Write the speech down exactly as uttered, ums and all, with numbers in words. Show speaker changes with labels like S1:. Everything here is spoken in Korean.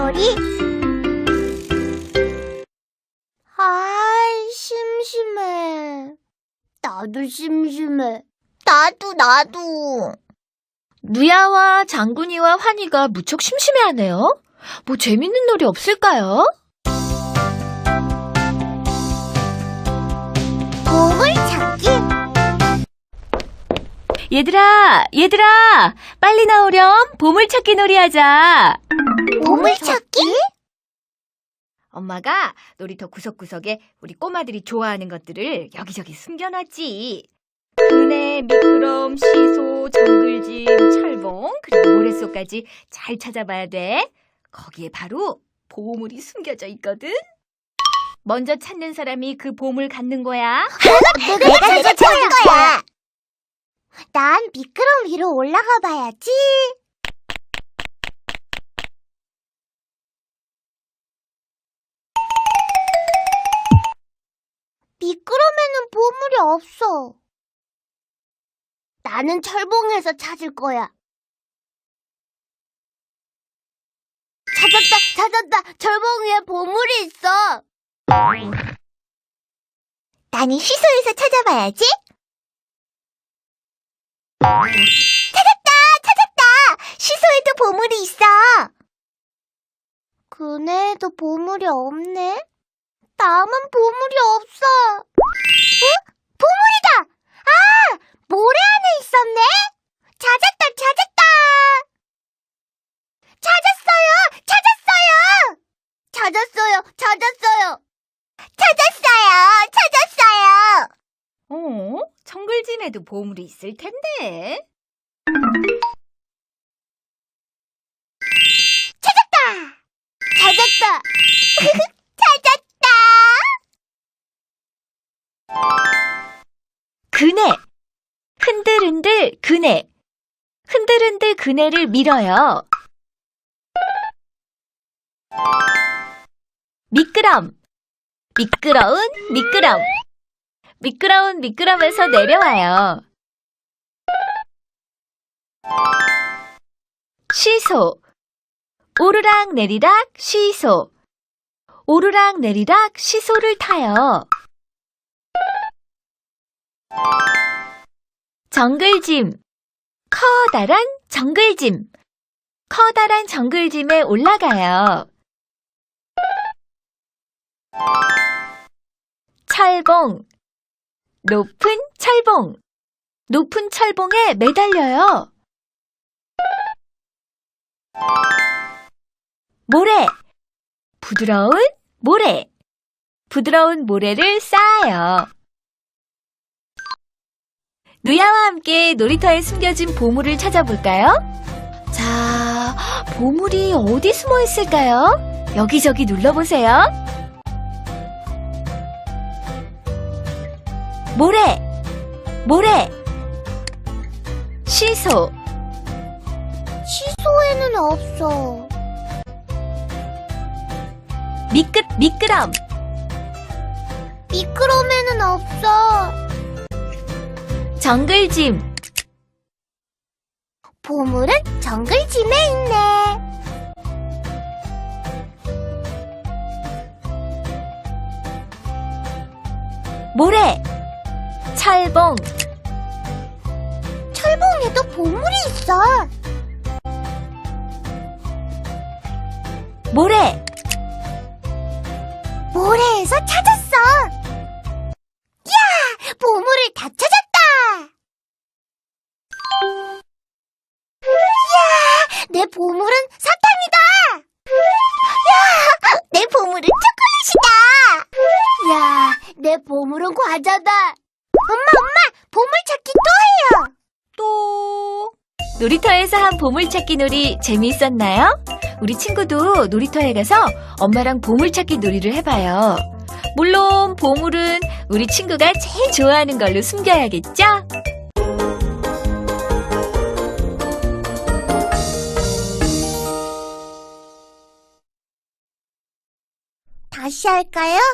S1: 놀이? 아이, 심심해. 나도 심심해. 나도, 나도.
S2: 누야와 장군이와 환희가 무척 심심해하네요. 뭐 재밌는 놀이 없을까요?
S1: 보물찾기?
S2: 얘들아, 얘들아, 빨리 나오렴. 보물찾기 놀이하자.
S1: 보물찾기?
S2: 엄마가 놀이터 구석구석에 우리 꼬마들이 좋아하는 것들을 여기저기 숨겨놨지. 은혜, 미끄럼, 시소, 정글짐, 철봉, 그리고 모래속까지 잘 찾아봐야 돼. 거기에 바로 보물이 숨겨져 있거든. 먼저 찾는 사람이 그 보물 갖는 거야.
S1: 내가, 내가, 내가 찾을 거야. 난 미끄럼 위로 올라가 봐야지. 미끄럼에는 보물이 없어. 나는 철봉에서 찾을 거야. 찾았다, 찾았다. 철봉 위에 보물이 있어. 나는 시소에서 찾아봐야지. 찾았다, 찾았다. 시소에도 보물이 있어. 그네에도 보물이 없네. 나만 보물이 없어. 어? 보물이다. 아, 모래 안에 있었네. 찾았다, 찾았다. 찾았어요, 찾았어요. 찾았어요, 찾았어요. 찾았어요, 찾았어요.
S2: 어? 정글짐에도 보물이 있을 텐데.
S1: 찾았다. 찾았다. 찾았다.
S2: 그네. 흔들흔들 그네. 흔들흔들 그네를 밀어요. 미끄럼. 미끄러운 미끄럼. 미끄러운 미끄럼에서 내려와요. 시소. 오르락 내리락 시소. 오르락 내리락 시소를 타요. 정글짐. 커다란 정글짐. 커다란 정글짐에 올라가요. 철봉. 높은 철봉. 높은 철봉에 매달려요. 모래. 부드러운 모래. 부드러운 모래를 쌓아요. 누야와 함께 놀이터에 숨겨진 보물을 찾아볼까요? 자, 보물이 어디 숨어 있을까요? 여기저기 눌러보세요. 모래, 모래. 시소.
S1: 시소에는 없어.
S2: 미끄, 미끄럼.
S1: 미끄럼에는 없어.
S2: 정글짐.
S1: 보물은 정글짐에 있네.
S2: 모래. 철봉.
S1: 철봉에도 보물이 있어.
S2: 모래.
S1: 모래에서 찾았어. 야! 보물을 다 찾았다. 야! 내 보물은 사탕이다. 야! 내 보물은 초콜릿이다. 야! 내 보물은 과자다. 엄마, 엄마! 보물찾기 또 해요.
S2: 또 놀이터에서 한 보물찾기 놀이 재미있었나요? 우리 친구도 놀이터에 가서 엄마랑 보물찾기 놀이를 해봐요. 물론 보물은 우리 친구가 제일 좋아하는 걸로 숨겨야겠죠?
S1: 다시 할까요?